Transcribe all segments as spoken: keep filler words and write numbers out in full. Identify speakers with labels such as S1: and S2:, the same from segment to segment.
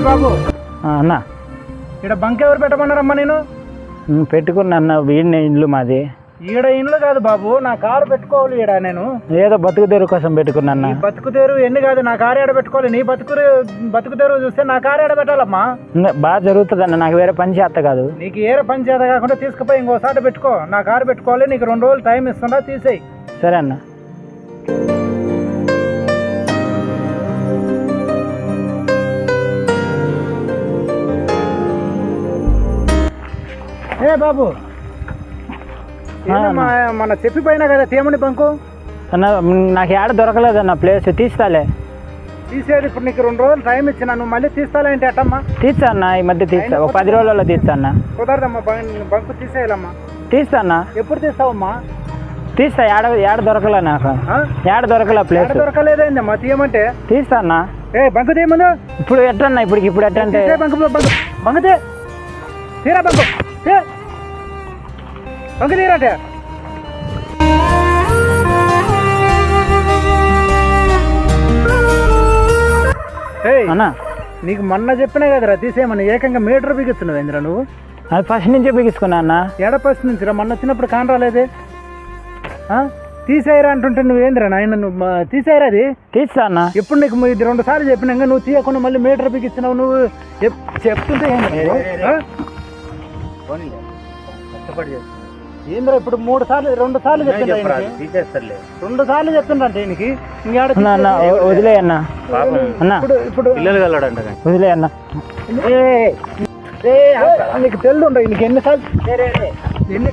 S1: బాబు
S2: అన్న
S1: ఇక్కడ బంక్ ఎవరు పెట్టమన్నారమ్మా? నేను
S2: పెట్టుకున్నా అన్న, వీడిని ఇల్లు మాది.
S1: ఈడ ఇండ్లు కాదు బాబు, నా కారు పెట్టుకోవాలి ఈడ. నేను
S2: ఏదో బతుకు తెరువు కోసం పెట్టుకున్నా.
S1: బతుకు తెరువు ఎన్ని కాదు, నా కారు ఏడ పెట్టుకోవాలి. నీ బతుకు బతుకు తెరువు చూస్తే నా కారు ఏడ పెట్టాలమ్మా?
S2: బాగా జరుగుతుంది అన్న, నాకు వేరే పని చేత కాదు.
S1: నీకు ఏరే పని చేత కాకుండా తీసుకుపోయి ఇంకోసారి పెట్టుకో. నా కారు పెట్టుకోవాలి, నీకు రెండు రోజులు టైం ఇస్తుందా, తీసేయి.
S2: సరే అన్న.
S1: ఏ బాబు, మన చెప్పిపోయినా కదా తీయమని బంకు.
S2: అన్న నాకు ఏడ దొరకలేదన్న ప్లేస్, తీస్తాలే.
S1: తీసేది ఇప్పుడు నీకు రెండు రోజులు టైం ఇచ్చిన, నువ్వు మళ్ళీ తీస్తాలే అంటే అట్టమ్మా?
S2: తీస్తా అన్న, ఈ మధ్య తీస్తా, ఒక పది రోజులలో తీస్తా అన్న.
S1: కుదరదమ్మా, బంకు తీసేయాలమ్మా.
S2: తీస్తా అన్న.
S1: ఎప్పుడు తీస్తావమ్మా?
S2: తీస్తా. ఏడ ఏడ దొరకలే నాకు, ఏడ దొరకలే ప్లేస్.
S1: దొరకలేదమ్మా, తీయమంటే
S2: తీస్తా అన్న.
S1: ఏ బంకు తీయమందు.
S2: ఇప్పుడు ఎట్టన్నా, ఇప్పుడు ఇప్పుడు ఎట్టంటే
S1: బంకు బంకు బంకు తీ తీరా బంకు బంకు తీరాటే.
S2: అన్న
S1: నీకు మొన్న చెప్పినా కదరా తీసేయమని, ఏకంగా మీటర్ బిగిస్తున్నావు ఏంద్రా నువ్వు?
S2: అది ఫస్ట్ నుంచే బిగించుకున్నా అన్న.
S1: ఎడ ఫస్ట్ నుంచి రా, మొన్న వచ్చినప్పుడు కాని రాలేదే. తీసేయరా అంటుంటే నువ్వేంద్రా నాయన, నువ్వు తీసేయరా. అది
S2: తీస్తా అన్న.
S1: ఎప్పుడు నీకు ఇది రెండు సార్లు చెప్పినాక నువ్వు తీయకుండా మళ్ళీ మీటర్ బిగిస్తున్నావు. నువ్వు చెప్తుంటే ఏంద్రా ఇప్పుడు మూడు సార్లు రెండు సార్లు చెప్తున్నా, రెండు సార్లు చెప్తుండే ఈయనకి.
S2: వదిలే అన్న, అన్న
S1: ఇప్పుడు
S2: వదిలే అన్న.
S1: నీకు తెలుదుండ నీకు ఎన్నిసార్లు ఎన్ని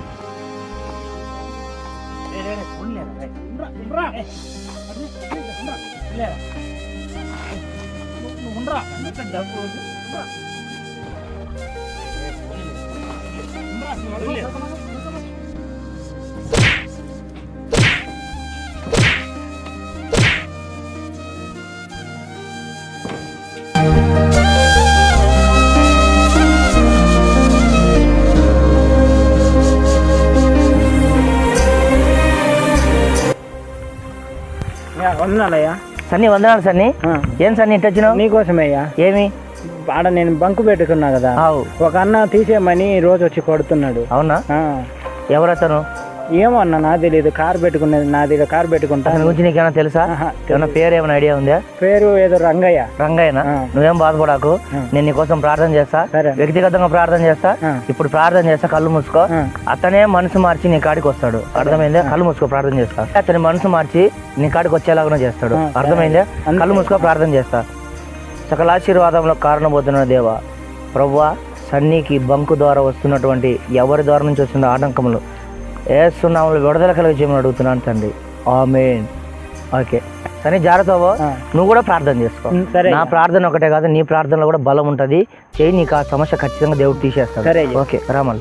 S2: వందనాలయ్యా.
S3: సన్నీ వందనాలు సన్నీ. ఏం సన్నీ ఇటు వచ్చినావు?
S2: నీకోసమయ్యా.
S3: ఏమి?
S2: ఆడ నేను బంకు పెట్టుకున్నా కదా, ఒక అన్న తీసేయమని రోజు వచ్చి కొడుతున్నాడు.
S3: అవునా? ఎవరతను?
S2: ఏమో అన్న, నాకు తెలియదు. కారు పెట్టుకునేది నాది, కారు పెట్టుకుంటా.
S3: దాని గురించి నీకేమైనా తెలుసా? ఏమన్నా పేరు ఏమైనా ఐడియా ఉందా?
S2: పేరు ఏదో రంగయ్య.
S3: రంగయ్యనా? నువ్వేం బాధపడాకు, నేను నీకోసం ప్రార్థన చేస్తా, వ్యక్తిగతంగా ప్రార్థన చేస్తా. ఇప్పుడు ప్రార్థన చేస్తా, కళ్ళు మూసుకో. అతనే మనసు మార్చి నీ కాడికి వస్తాడు, అర్థమైందా? కళ్ళు మూసుకో, ప్రార్థన చేస్తా. అతని మనసు మార్చి నీ కాడికి వచ్చేలాగానే చేస్తాడు, అర్థమైందా? కళ్ళు మూసుకో, ప్రార్థన చేస్తా. సకలాశీర్వాదంలో కారణబోతున్న దేవా ప్రభువా, సన్నీకి బంకు ద్వారా వస్తున్నటువంటి ఎవరి ద్వారా నుంచి వస్తున్న ఆటంకములు ఏసునామములో విడుదల కలిగి చేయమని అడుగుతున్నాను తండ్రి, ఆమేన్. ఓకే సరే, జాగ్రత్తవో. నువ్వు కూడా ప్రార్థన చేసుకో. నా ప్రార్థన ఒకటే కాదు, నీ ప్రార్థనలో కూడా బలం ఉంటుంది. చేయి, నీకు ఆ సమస్య ఖచ్చితంగా దేవుడు తీసేస్తాడు. ఓకే రామల్.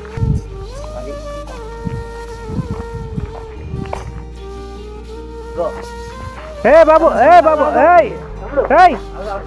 S1: ఏ బాబు, ఏ బాబు, ఏయ్ ఏయ్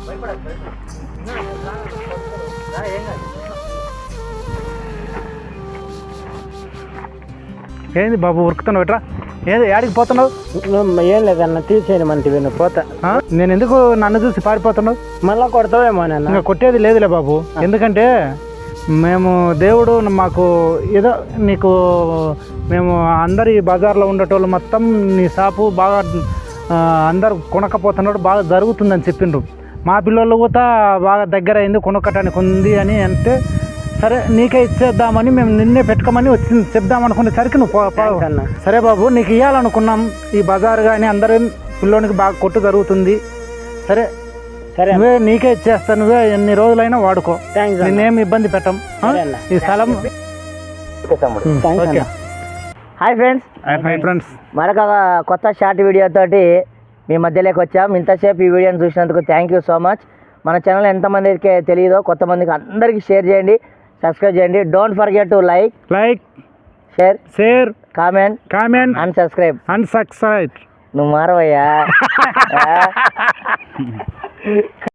S1: ఏంది బాబు ఉరుకుతున్నావు ఎట్రా? ఏది ఏడికి పోతున్నావు?
S2: ఏం లేదన్న, తీసేయను మంచివి. నువ్వు పోతా.
S1: నేను ఎందుకు నన్ను చూసి పారిపోతున్నావు?
S2: మళ్ళా కొడతావేమో నన్ను.
S1: ఇంకా కొట్టేది లేదులే బాబు, ఎందుకంటే మేము దేవుడు మాకు ఏదో నీకు మేము అందరు ఈ బజార్లో ఉండేటోళ్ళు మొత్తం నీ షాపు బాగా అందరు కొనకపోతున్నాడు, బాగా జరుగుతుందని చెప్పిండ్రు. మా పిల్లలు కూడా బాగా దగ్గర అయింది, కొనుక్కటానికి ఉంది అని అంటే సరే నీకే ఇచ్చేద్దామని మేము నిన్నే పెట్టుకోమని వచ్చింది చెప్దామనుకునేసరికి నువ్వు అన్న. సరే బాబు, నీకు ఇవ్వాలనుకున్నాం ఈ బజార్ కానీ అందరూ పిల్లోనికి బాగా కొట్టు జరుగుతుంది. సరే సరే, నువ్వే నీకే ఇచ్చేస్తాను, నువ్వే ఎన్ని రోజులైనా వాడుకో, నేనేమి ఇబ్బంది పెట్టం. ఈ స్థలం.
S3: Hi friends.
S1: హాయ్ ఫ్రెండ్స్,
S3: మరొక కొత్త షార్ట్ వీడియో తోటి మీ మధ్యలోకి వచ్చాం. ఇంతసేపు ఈ వీడియోని చూసినందుకు థ్యాంక్ యూ సో మచ్. మన ఛానల్ ఎంతమందికి తెలియదో కొత్త మందికి అందరికీ షేర్ చేయండి, సబ్స్క్రైబ్ చేయండి. Don't forget to like
S1: like
S3: share
S1: share
S3: comment
S1: comment
S3: and subscribe.
S1: And subscribe.
S3: నువ్వు మారవయ్యా.